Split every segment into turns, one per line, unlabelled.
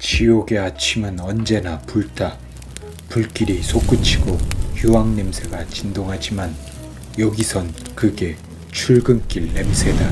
지옥의 아침은 언제나 붉다. 불길이 솟구치고 유황 냄새가 진동하지만 여기선 그게 출근길 냄새다.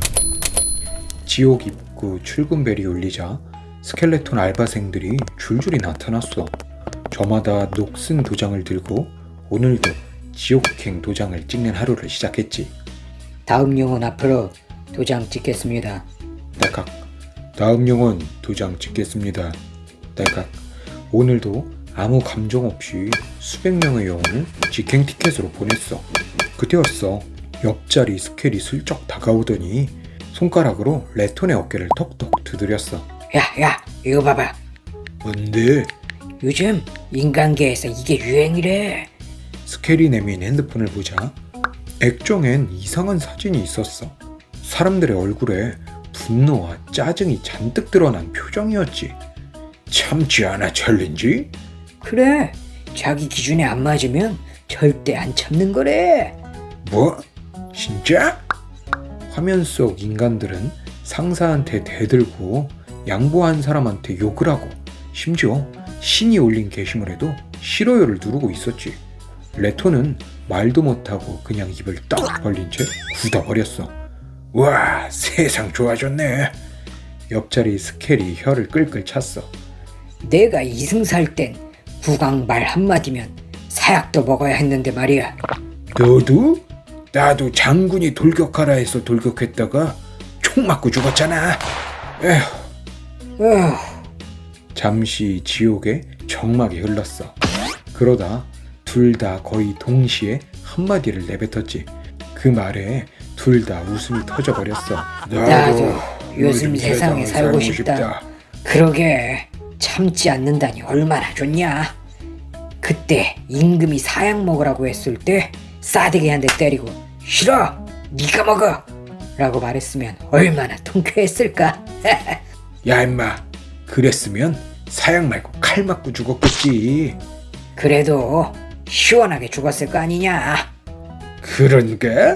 지옥 입구 출근벨이 울리자 스켈레톤 알바생들이 줄줄이 나타났어. 저마다 녹슨 도장을 들고 오늘도 지옥행 도장을 찍는 하루를 시작했지.
다음 영혼 앞으로 도장 찍겠습니다.
딸깍. 다음 영혼 도장 찍겠습니다. 딸깍. 오늘도 아무 감정 없이 수백 명의 영혼을 직행 티켓으로 보냈어. 그때였어. 옆자리 스켈이 슬쩍 다가오더니 손가락으로 레톤의 어깨를 톡톡 두드렸어.
야, 이거 봐봐.
뭔데?
요즘 인간계에서 이게 유행이래.
스켈이 내민 핸드폰을 보자 액정엔 이상한 사진이 있었어. 사람들의 얼굴에 분노와 짜증이 잔뜩 드러난 표정이었지. 참지 않아 챌린지?
그래, 자기 기준에 안 맞으면 절대 안 참는 거래.
뭐? 진짜? 화면 속 인간들은 상사한테 대들고 양보한 사람한테 욕을 하고 심지어 신이 올린 게시물에도 싫어요를 누르고 있었지. 레토는 말도 못하고 그냥 입을 딱 벌린 채 굳어버렸어. 와, 세상 좋아졌네. 옆자리 스켈이 혀를 끌끌 찼어.
내가 이승살 땐 국왕 말 한마디면 사약도 먹어야 했는데 말이야.
너도? 나도 장군이 돌격하라 해서 돌격했다가 총 맞고 죽었잖아. 에휴. 잠시 지옥의 정막이 흘렀어. 그러다 둘 다 거의 동시에 한마디를 내뱉었지. 그 말에 둘 다 웃음이 터져버렸어.
나도 요즘 세상에 살고 싶다. 그러게, 참지 않는다니 얼마나 좋냐. 그때 임금이 사약 먹으라고 했을 때 싸대기 한 대 때리고 싫어, 네가 먹어 라고 말했으면 얼마나 통쾌했을까.
야 임마, 그랬으면 사약 말고 칼 맞고 죽었겠지.
그래도 시원하게 죽었을 거 아니냐.
그런가?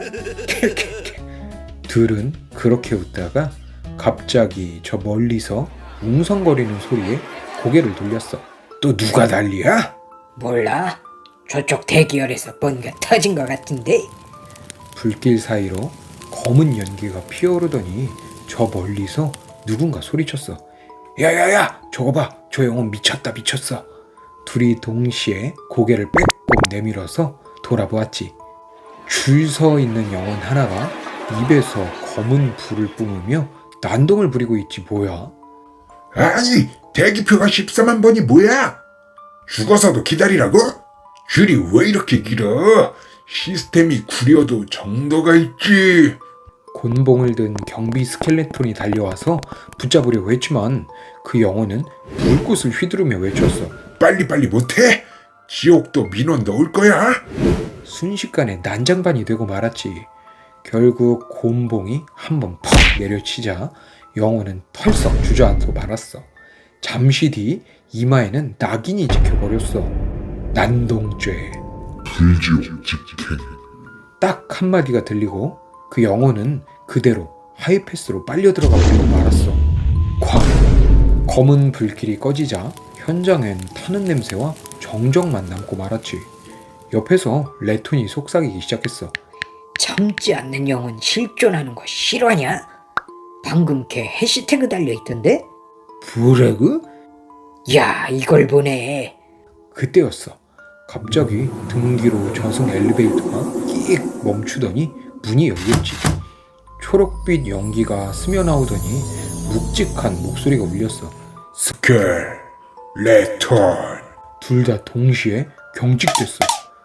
둘은 그렇게 웃다가 갑자기 저 멀리서 웅성거리는 소리에 고개를 돌렸어. 또 누가 난리야?
몰라, 저쪽 대기열에서 뭔가 터진 것 같은데.
불길 사이로 검은 연기가 피어오르더니 저 멀리서 누군가 소리쳤어. 야야야, 저거 봐, 저 영혼 미쳤어. 둘이 동시에 고개를 빼꼼 내밀어서 돌아보았지. 줄 서 있는 영혼 하나가 입에서 검은 불을 뿜으며 난동을 부리고 있지 뭐야.
아니, 대기표가 14만 번이 뭐야? 죽어서도 기다리라고? 줄이 왜 이렇게 길어? 시스템이 구려도 정도가 있지.
곤봉을 든 경비 스켈레톤이 달려와서 붙잡으려고 했지만 그 영혼은 불꽃을 휘두르며 외쳤어.
빨리빨리 못해? 지옥도 민원 넣을 거야?
순식간에 난장반이 되고 말았지. 결국 곤봉이 한번 퍽 내려치자 영혼은 털썩 주저앉고 말았어. 잠시 뒤 이마에는 낙인이 찍혀버렸어. 난동죄.
불지옥 직행.
딱 한마디가 들리고 그 영혼은 그대로 하이패스로 빨려 들어가 버리고 말았어. 쾅! 검은 불길이 꺼지자 현장엔 타는 냄새와 정적만 남고 말았지. 옆에서 레톤이 속삭이기 시작했어.
참지 않는 영혼 실존하는 거 실화냐? 방금 걔 해시태그 달려있던데?
브레그?
야, 이걸 보네.
그때였어. 갑자기 등 뒤로 저승 엘리베이터가 끽 멈추더니 문이 열렸지. 초록빛 연기가 스며나오더니 묵직한 목소리가 울렸어.
스켈, 레톤.
둘 다 동시에 경직됐어.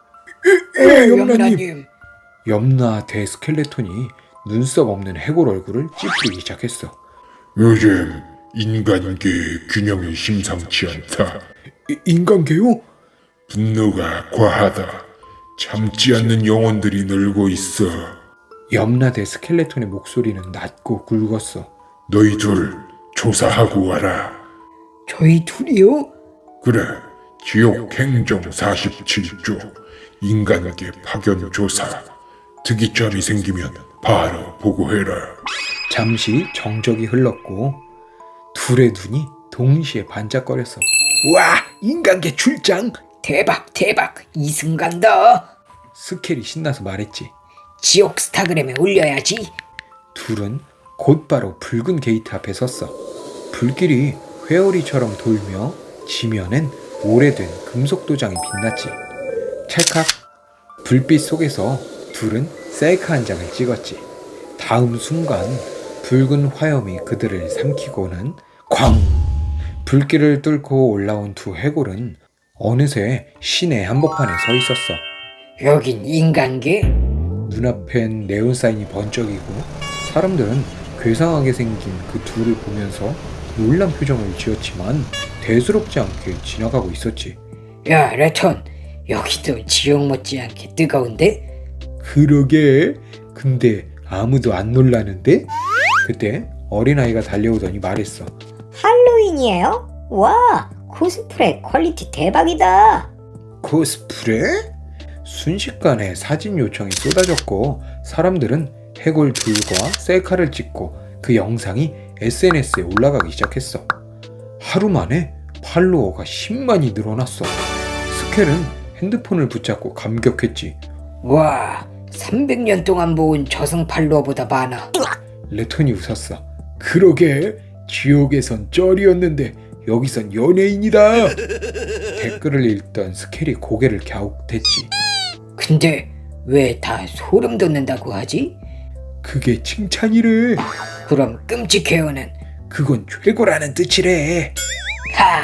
염라님.
염라 대스켈레톤이 눈썹 없는 해골 얼굴을 찌푸리기 시작했어.
요즘 인간계 균형이 심상치 않다.
인간계요?
분노가 과하다. 참지 않는 영혼들이 늘고 있어.
염라 대스켈레톤의 목소리는 낮고 굵었어.
너희 둘 조사하고 와라.
저희 둘이요?
그래, 지옥 행정 47조 인간계 파견 조사. 특이점이 생기면 바로 보고해라.
잠시 정적이 흘렀고 둘의 눈이 동시에 반짝거렸어. 와, 인간계 출장!
대박 대박 이승간다.
스켈이 신나서 말했지.
지옥 스타그램에 올려야지.
둘은 곧바로 붉은 게이트 앞에 섰어. 불길이 회오리처럼 돌며 지면엔 오래된 금속 도장이 빛났지. 찰칵! 불빛 속에서 둘은 셀카 한 장을 찍었지. 다음 순간 붉은 화염이 그들을 삼키고는 쾅! 불길을 뚫고 올라온 두 해골은 어느새 시내 한복판에 서 있었어.
여긴 인간계?
눈앞엔 네온사인이 번쩍이고 사람들은 괴상하게 생긴 그 둘을 보면서 놀란 표정을 지었지만 대수롭지 않게 지나가고 있었지.
야 레톤, 여기도 지옥 못지않게 뜨거운데?
그러게. 근데 아무도 안 놀라는데? 그때 어린아이가 달려오더니 말했어.
할로윈이에요? 와, 코스프레 퀄리티 대박이다.
코스프레? 순식간에 사진 요청이 쏟아졌고 사람들은 해골 둘과 셀카를 찍고 그 영상이 SNS에 올라가기 시작했어. 하루 만에 팔로워가 10만이 늘어났어. 스켈은 핸드폰을 붙잡고 감격했지.
와, 300년 동안 모은 저승 팔로워보다 많아.
레톤이 웃었어. 그러게, 지옥에선 쩔이었는데 여기선 연예인이다. 댓글을 읽던 스켈이 고개를 갸웃했지.
근데 왜 다 소름 돋는다고 하지?
그게 칭찬이래.
그럼 끔찍해요는?
그건 최고라는 뜻이래.
하,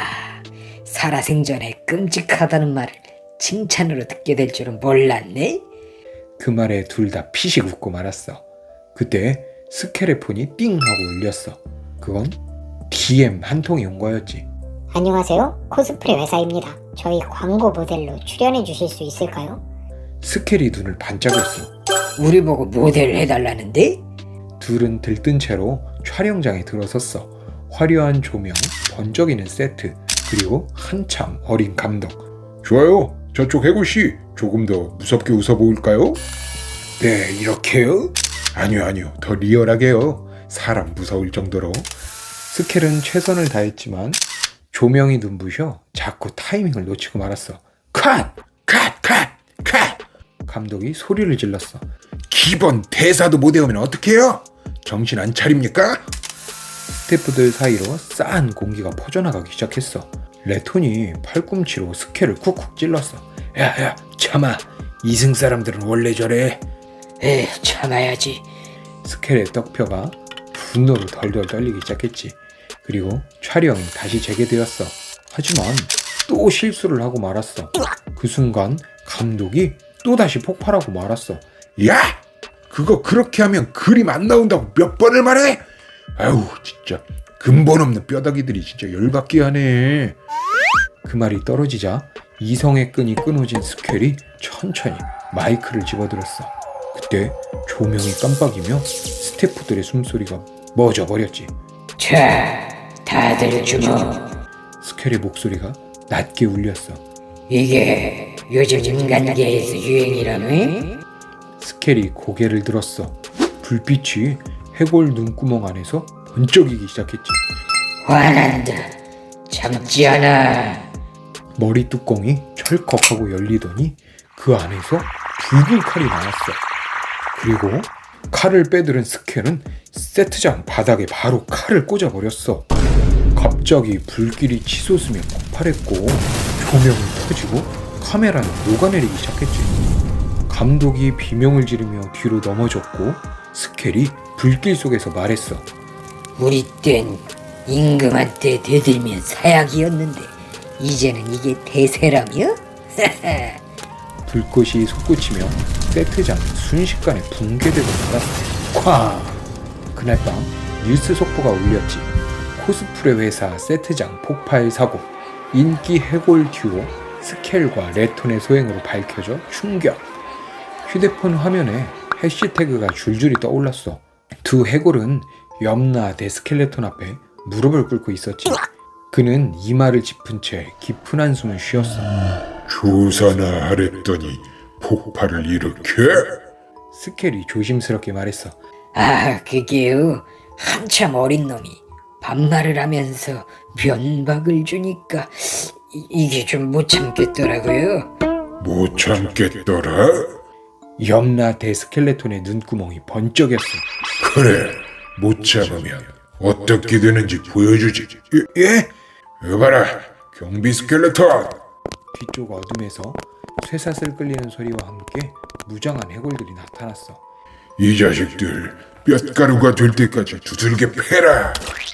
살아생전에 끔찍하다는 말을 칭찬으로 듣게 될 줄은 몰랐네.
그 말에 둘 다 피식 웃고 말았어. 그때 스켈의 폰이 띵 하고 울렸어. 그건 DM 한 통이 온 거였지.
안녕하세요. 코스프레 회사입니다. 저희 광고 모델로 출연해 주실 수 있을까요?
스켈이 눈을 반짝였어.
우리 보고 모델 해달라는데?
둘은 들뜬 채로 촬영장에 들어섰어. 화려한 조명, 번쩍이는 세트, 그리고 한참 어린 감독.
좋아요. 저쪽 해골씨 조금 더 무섭게 웃어볼까요?
네, 이렇게요?
아니요. 더 리얼하게요. 사람 무서울 정도로.
스켈은 최선을 다했지만 조명이 눈부셔 자꾸 타이밍을 놓치고 말았어.
컷!
감독이 소리를 질렀어.
기본 대사도 못 외우면 어떡해요? 정신 안 차립니까?
스태프들 사이로 싸한 공기가 퍼져나가기 시작했어. 레톤이 팔꿈치로 스켈을 쿡쿡 찔렀어. 야, 참아. 이승 사람들은 원래 저래.
참아야지.
스켈의 떡표가 분노로 덜덜 떨리기 시작했지. 그리고 촬영이 다시 재개되었어. 하지만 또 실수를 하고 말았어. 그 순간 감독이 또다시 폭발하고 말았어.
야! 그거 그렇게 하면 그림 안 나온다고 몇 번을 말해? 아유 진짜 근본 없는 뼈다귀들이 진짜 열받게 하네.
그 말이 떨어지자 이성의 끈이 끊어진 스켈이 천천히 마이크를 집어들었어. 그때 조명이 깜빡이며 스태프들의 숨소리가 멎어버렸지.
자, 다들 주목.
스켈의 목소리가 낮게 울렸어.
이게 요즘 인간계에서 유행이라네?
스켈이 고개를 들었어. 불빛이 해골 눈구멍 안에서 번쩍이기 시작했지.
화난다. 참지 않아.
머리 뚜껑이 철컥하고 열리더니 그 안에서 붉은 칼이 나왔어. 그리고 칼을 빼들은 스켈은 세트장 바닥에 바로 칼을 꽂아버렸어. 갑자기 불길이 치솟으며 폭발했고 조명이 터지고 카메라는 녹아내리기 시작했지. 감독이 비명을 지르며 뒤로 넘어졌고 스켈이 불길 속에서 말했어.
우리 땐 임금한테 대들면 사약이었는데 이제는 이게 대세라며?
불꽃이 솟구치며 세트장이 순식간에 붕괴되고 말았어. 쾅! 그날 밤 뉴스 속보가 울렸지. 코스프레 회사 세트장 폭발 사고. 인기 해골 듀오 스켈과 레톤의 소행으로 밝혀져 충격. 휴대폰 화면에 해시태그가 줄줄이 떠올랐어. 두 해골은 염라 데스켈레톤 앞에 무릎을 꿇고 있었지. 그는 이마를 짚은 채 깊은 한숨을 쉬었어.
조사나 하랬더니 폭발을 일으켜?
스켈이 조심스럽게 말했어.
아, 그게요. 한참 어린 놈이 반말을 하면서 면박을 주니까 이게 좀 못 참겠더라고요.
못 참겠더라?
염라 대스켈레톤의 눈구멍이 번쩍였어.
그래, 못 참으면 어떻게 되는지 보여주지. 예? 여봐라, 경비 스켈레톤.
뒤쪽 어둠에서 쇠사슬 끌리는 소리와 함께 무장한 해골들이 나타났어.
이 자식들 뼛가루가 될 때까지 두들겨 패라.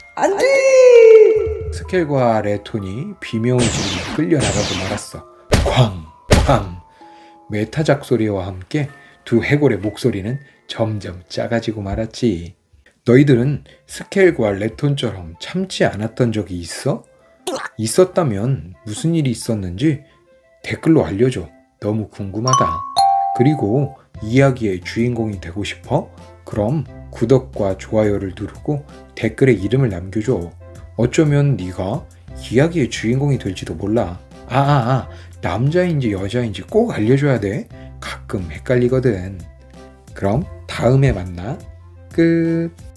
스켈과 레톤이 비명을 지르며 끌려나가고 말았어. 쾅쾅. 메타작 소리와 함께 두 해골의 목소리는 점점 작아지고 말았지. 너희들은 스켈과 레톤처럼 참지 않았던 적이 있어? 있었다면 무슨 일이 있었는지 댓글로 알려줘. 너무 궁금하다. 그리고 이야기의 주인공이 되고 싶어? 그럼 구독과 좋아요를 누르고 댓글에 이름을 남겨줘. 어쩌면 네가 이야기의 주인공이 될지도 몰라. 남자인지 여자인지 꼭 알려줘야 돼. 가끔 헷갈리거든. 그럼 다음에 만나. 끝.